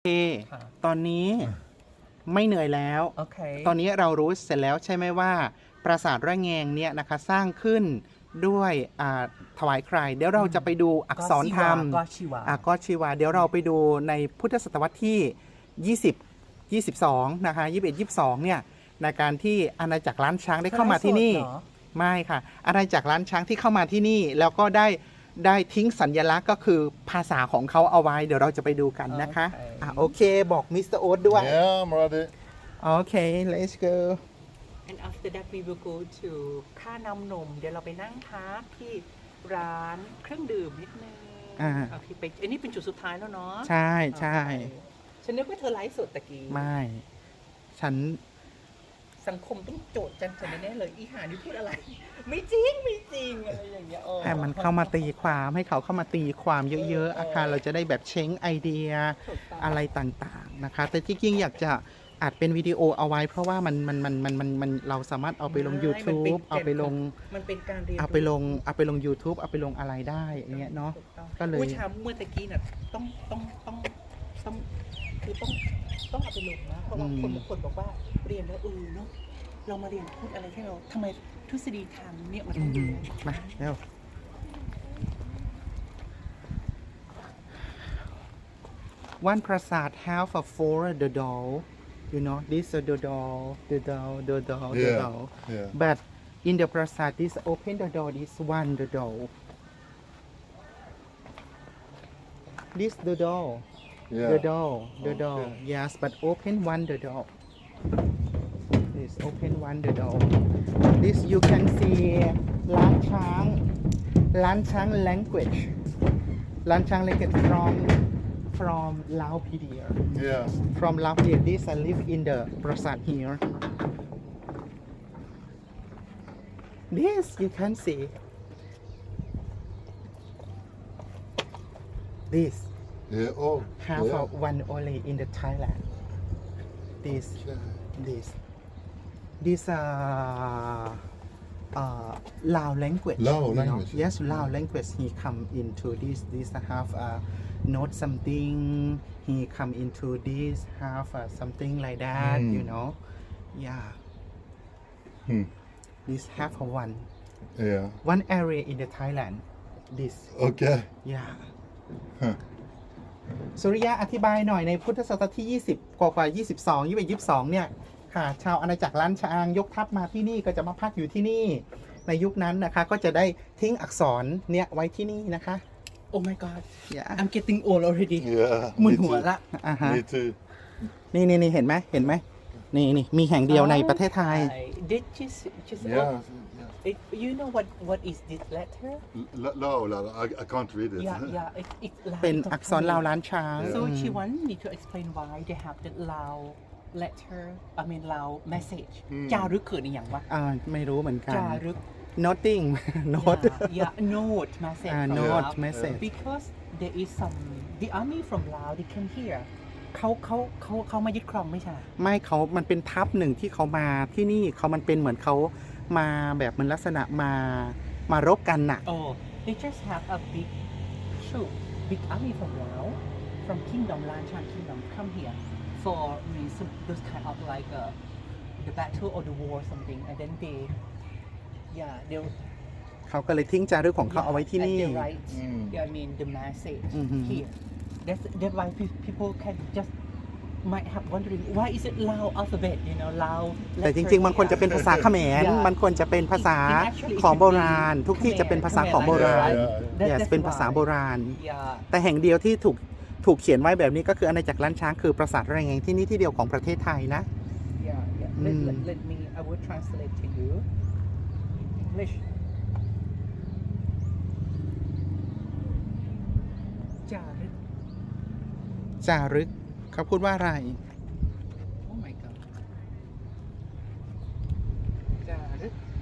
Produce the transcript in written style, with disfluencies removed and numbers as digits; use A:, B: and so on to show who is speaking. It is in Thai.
A: ตอนนี้ไม่เหนื่อยแล้ว
B: โอเค
A: ตอนนี้เรารู้เสร็จแล้วใช่ไหมว่า ปราสาทระแงงเนี่ยนะคะสร้างขึ้นด้วยถวายใคร เดี๋ยวเราจะไปดูอักษรธรรม
B: ก็ชีวา
A: ก็ชีวาเดี๋ยวเราไปดูในพุทธศตวรรษที่ 20 22 นะคะ 21 22 เนี่ยในการที่อาณาจักรล้านช้างได้เข้ามาที่นี่ ไม่ค่ะอาณาจักรล้านช้างที่เข้ามาที่นี่ แล้วก็ได้ทิ้งสัญลักษณ์ก็คือภาษาของเขาเอาไว้ เดี๋ยวเราจะไปดูกันนะคะโอเคบอกมิสเตอร์โอ๊ตด้วย
C: Yeah, I'm ready.
A: โอเค let's go
B: and after that we will go to ค่าน้ำนมเดี๋ยวเราไปนั่งพักที่ร้านเครื่องดื่มนิดนึงโอเคไปอันนี้เป็นจุดสุดท้ายแล้วเนาะ
A: ใช่ใช่
B: ฉันนึกว่าเธอไลฟ์สดตะกี้
A: ไม่ฉัน
B: สังคมต้องโจทย์จันฉันแน่ๆเลยอีหานี่พูดอะไร ไม่จริงไม่จริงอะไรอย่างเงี้ย
A: ให้มันเข้ามาตีความให้เขาเข้ามาตีความเยอะๆอาคารเราจะได้แบบเช้งไอเดียอะไรต่างๆนะคะแต่ที่จริงอยากจะอัดเป็นวิดีโอเอาไว้ เพราะว่ามันเราสามารถเอาไปลง YouTube เอาไปลง
B: มันเป็นการเรียน
A: เอาไปลง YouTube เอาไปลงอะไรได้อย่างเงี้ยเนาะก็เลย
B: ผู้ชายเมื่อตะกี้น่ะต้องคือต้องเอาไปลงนะเพราะว่าคนบางคนบอกว่าเรียนแล้วเนาะเรามาเรียนพูดอะไรให้เราทำไมทฤษฎีทางเนี่ยมันต้องดู
A: มาเร็ว One Prasad have a four the doll you know this the doll
C: Yeah.
A: but in the Prasad this open the door this one the doll this the doll
C: Yeah.
A: the doll
C: Okay.
A: yes but open one the doll this open one the doll this you can see ล้านช้างlanguage ล้านช้าง language from Laopedia
C: Yeah.
A: from Laopedia this I live in the Prasad here this you can see this
C: Yeah. Oh.
A: half
C: yeah.
A: of one only in the Thailand this
C: Okay.
A: this Lao language
C: Lao
A: you know.
C: language.
A: Yes Lao language he come into this have note something he come into this have something like that you know yeah this have one
C: Yeah.
A: area in the Thailand this
C: Okay.
A: yeah
C: Huh.
A: สุริยะอธิบายหน่อยในพุทธศตวรรษที่ 20 กว่า22 21 22 เนี่ยค่ะชาวอาณาจักรล้านช้างยกทัพมาที่นี่ก็จะมาพักอยู่ที่นี่ในยุคนั้นนะคะก็จะได้ทิ้งอักษรเนี่ยไว้ที่นี่นะคะ
B: Oh my god
A: yeah.
B: I'm getting old already
C: Yeah.
B: มึน
C: Me
B: หัว
C: too.
B: ละ
C: Me too.
A: นี่เห็นไหมนี่มีแห่งเดียวในประเทศไทย
B: Did just
C: Yeah.
B: you know what is this letter
C: No, I can't read it.
B: yeah it's Lao
A: เป็นอักษรลาวล้านช้าง
B: So she want me to explain why they have the Lao letter I mean Lao message จารึกคือในอย่างวะ
A: ไม่รู้เหมือนกัน
B: จารึก
A: noting note
B: yeah note message from
A: note
B: Lao.
A: message
B: because there is some the army from Lao they came here เขามายึดครองไม่ใช่
A: ไม่มันเป็นทัพหนึ่งที่เขามาที่นี่มันเป็นเหมือนเขามาแบบมันลักษณะมารบกันน่ะ
B: Oh they just have a big troop big army from Lao from kingdom Lanchan kingdom come here for some those kind of like the battle or the war or something and then they they'll
A: เขาก็เลยทิ้งจารึกของเขาเอาไว้ที่นี่
B: and they write I mean the message here that's why people can just might have wondering why is it Lao alphabet you know Lao
A: แต่จริงๆ มันควรจะเป็นภาษาเขมร มันควรจะเป็นภาษาของโบราณ ทุกที่จะเป็นภาษาของโบราณ yes เป็นภาษาโบราณ แต่แห่งเดียวที่ถูกเขียนไว้แบบนี้ก็คืออาณาจักรล้านช้างคือปราสาทระแงงที่นี่ที่เดียวของประเทศไทยนะ
B: let me I will translate to you English จารึก
A: จารึกเขาพูดว่าอะไร